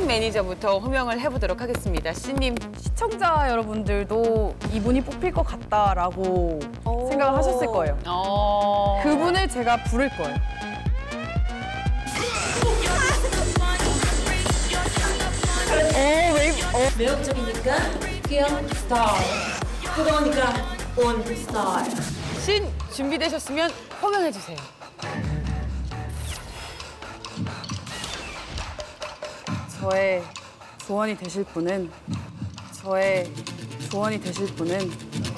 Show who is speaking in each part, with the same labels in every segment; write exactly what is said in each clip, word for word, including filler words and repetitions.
Speaker 1: 매니저부터 호명을 해보도록 하겠습니다. 씨님.
Speaker 2: 시청자 여러분들도 이분이 뽑힐 것 같다라고 생각을 하셨을 거예요.
Speaker 1: 어...
Speaker 2: 그분을 제가 부를 거예요.
Speaker 3: 어, 왜, 어. 매력적이니까 귀여운 스타일. 뜨거우니까 온 스타일.
Speaker 1: 신 준비되셨으면 호명해주세요.
Speaker 2: 저의 조언이 되실 분은 저의 조언이 되실 분은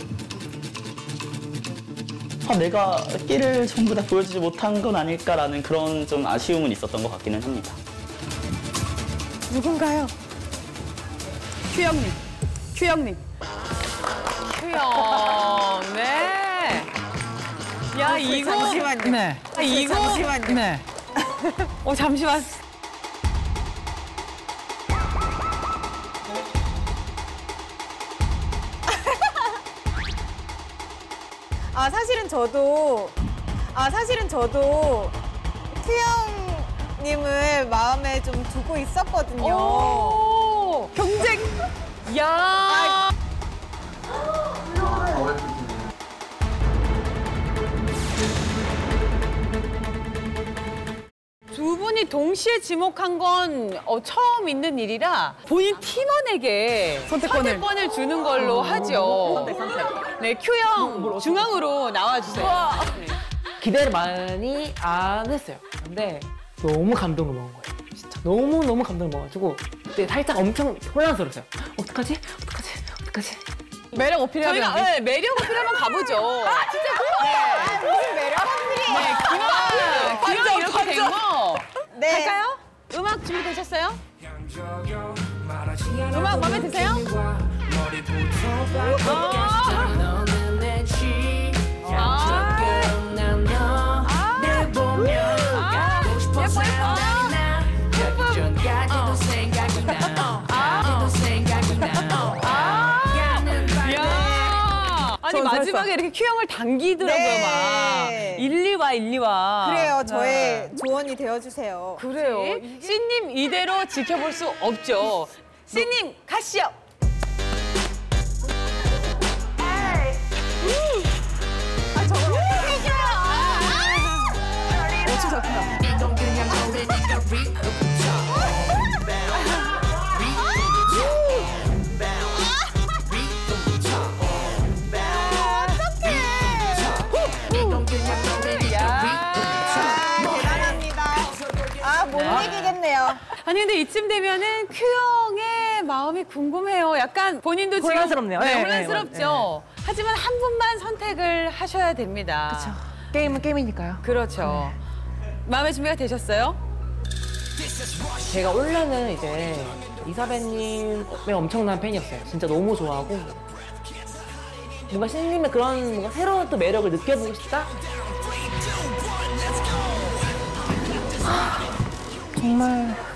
Speaker 4: 아, 내가 끼를 전부 다 보여주지 못한 건 아닐까라는 그런 좀 아쉬움은 있었던 것 같기는 합니다.
Speaker 2: 누군가요? 큐영님, 큐영님.
Speaker 1: 큐영, 네. 야, 이거.
Speaker 5: 잠시만요.
Speaker 1: 네. 아, 이거.
Speaker 5: 잠시만요.
Speaker 1: 네. 어, 잠시만.
Speaker 5: 아 사실은 저도 아 사실은 저도 큐영님을 마음에 좀 두고 있었거든요.
Speaker 1: 오, 경쟁. 야. 아. 두 분이 동시에 지목한 건 어, 처음 있는 일이라 본인 팀원에게
Speaker 2: 선택권을.
Speaker 1: 선택권을 주는 걸로 하죠. 선택, 선택. 네, 큐영 중앙으로 나와주세요. 네.
Speaker 6: 기대를 많이 안 했어요. 근데 너무 감동을 먹은 거예요. 진짜 너무너무 감동을 먹어가지고 그때 살짝 엄청 혼란스러웠어요. 어떡하지? 어떡하지? 어떡하지?
Speaker 2: 매력 어필해야
Speaker 1: 저희가
Speaker 2: 되는데.
Speaker 1: 네, 매력 어필 한번 가보죠. 아, 진짜 네.
Speaker 5: 무슨 매력 어필이에요?
Speaker 1: 네, 기왕, 기왕 이렇게 된 거.
Speaker 5: 네.
Speaker 1: 갈까요? 음악 준비되셨어요? 음악 마음에 드세요? 아니 마지막에 이렇게 큐형을 당기더라고요.
Speaker 5: 네.
Speaker 1: 막 일리 와 일리 와.
Speaker 5: 그래요. 저의 조언이 되어주세요.
Speaker 1: 그래요. 씨님 이대로 지켜볼 수 없죠. 씨님 가시죠.
Speaker 5: 아 저거 해줘요.
Speaker 2: 어찌 잡힌다.
Speaker 5: 못 이기겠네요.
Speaker 1: 아니 근데 이쯤 되면은 큐형의 마음이 궁금해요. 약간 본인도 지금
Speaker 6: 혼란스럽네요.
Speaker 1: 네,
Speaker 6: 네,
Speaker 1: 혼란스럽죠.
Speaker 6: 네,
Speaker 1: 하지만 한 분만 선택을 하셔야 됩니다.
Speaker 6: 그렇죠. 게임은 게임이니까요.
Speaker 1: 그렇죠. 마음의 준비가 되셨어요?
Speaker 6: 제가 원래는 이제 이사배님의 엄청난 팬이었어요. 진짜 너무 좋아하고 뭔가 신님의 그런 뭔가 새로운 또 매력을 느껴보고 싶다?
Speaker 2: 정말